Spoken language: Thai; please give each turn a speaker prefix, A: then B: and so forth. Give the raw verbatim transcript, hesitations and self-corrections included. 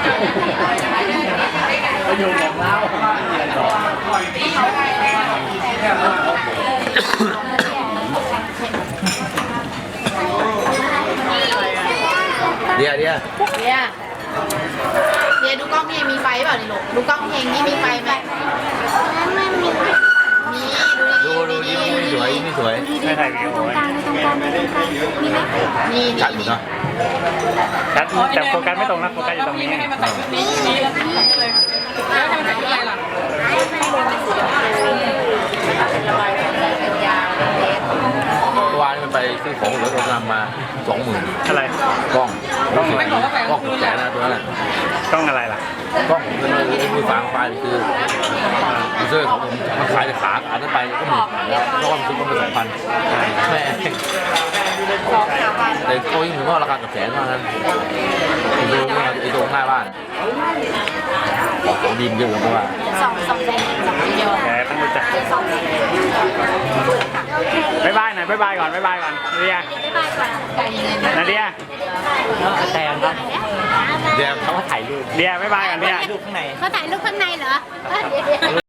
A: ประโยชน์ของเรา
B: เดี๋ยวเดี๋ยว
C: เนี่ยเนี่ยดูกล้องเพลงมีไฟเปล่านี่ลูกดูกล้องเพลงนี่มีไฟไหมไม่มีมีดู
B: ดู
C: ดี
B: ดู
C: ดู
B: ยิ้ม
C: ดี
B: ไม่สวยยิ้มไม่สวย
A: ไม่ถ่ายวิดีโอไว้
C: นี่
B: ชัดอยู่เนาะ
A: ชัดแต่โฟกัสไม่ตรงนะโฟกัสอยู่ตรงนี้
B: เมื่อวานมันไปซื้อของเหลือตัวนำมาสองหมื่น
A: อะไร
B: กล้องกล้องไม่บอกว่ากล้องแสนนะตัวนั้น
A: กล้องอะไรล่ะ
B: กล้องผมเป็นมือฟังไฟคือยูเซอร์ของผมมันขายแต่ขาขานั้นไปก็หมื่นแล้วเพราะว่ามันซื้อมาเป็นสองพันแม่แต่ตัวยิ่งถึงว่าราคากับแสนเท่านั้นดูไอ้ตรงหน้าบ้านของดีมเยอะเลยเพราะว่า
C: สองสองเซนสองเดียว
A: แกต้องรู้จักบายบายหน่อยบายบายก่อนบายบายก่อนนาเดียนาเดียแต่ครับ
B: เดี๋ยวเขา
A: ถ่ายรูปเดียบายบายก่อนเดีย
C: เขาถ่ายรูปข้างในเหรอ